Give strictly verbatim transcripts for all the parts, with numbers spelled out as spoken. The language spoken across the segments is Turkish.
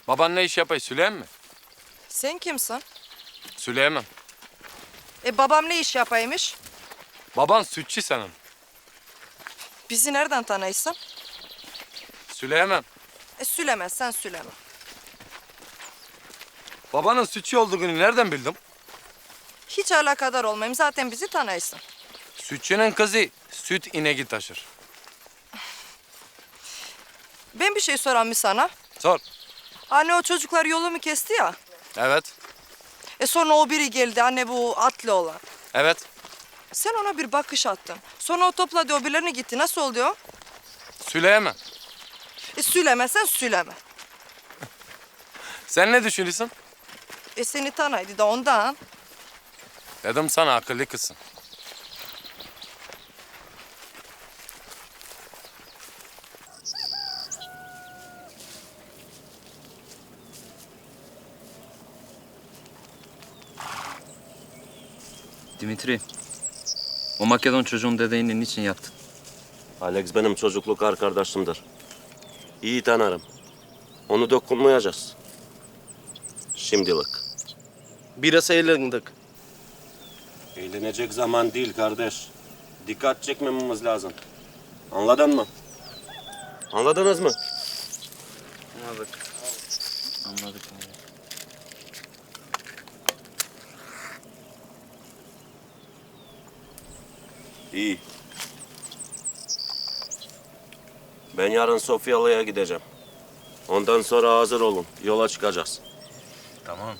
Baban ne iş yapıyor? Süleyman mi? Sen kimsin? Süleyman. E babam ne iş yapaymış? Baban sütçü senin. Bizi nereden tanıysın? Süleyman. E sülemezsen süleme. Babanın sütçü olduğunu nereden bildim? Hiç alakadar olmayayım, zaten bizi tanıysın. Sütçünün kızı süt ineği taşır. Ben bir şey soran mı sana? Sor. Anne o çocuklar yolumu kesti ya. Evet. E sonra o biri geldi, anne bu atlı olan. Evet. Sen ona bir bakış attın. Sonra o topladı, o birilerine gitti. Nasıl oluyor? Süleyman. E sülemezsen süleme. Sen ne düşünüyorsun? E seni tanıydı da ondan. Dedim sana akıllı kızsın. Dimitri, o Makedon çocuğun dedeğini niçin yaktın? Alex benim çocukluk arkadaşımdır. İyi tanırım. Onu dokunmayacağız. Şimdilik. Biraz eğlendik. Eğlenecek zaman değil kardeş. Dikkat çekmememiz lazım. Anladın mı? Anladınız mı? Anladık. Anladık. İyi. Ben yarın Sofyalı'ya gideceğim. Ondan sonra hazır olun. Yola çıkacağız. Tamam.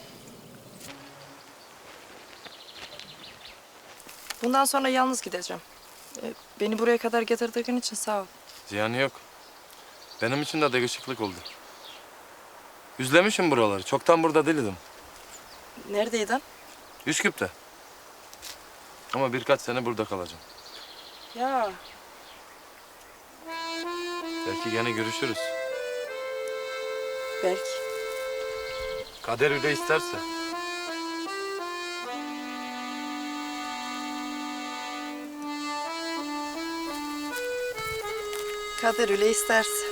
Bundan sonra yalnız gideceğim. E, beni buraya kadar getirdiğin için sağ ol. Ziyanı yok. Benim için de değişiklik oldu. Üzlemişim buraları. Çoktan burada değildim. Neredeydin? Üsküp'te. Ama birkaç sene burada kalacağım. Ya Belki gene görüşürüz. belki. Kader öyle isterse. Kader öyle isterse.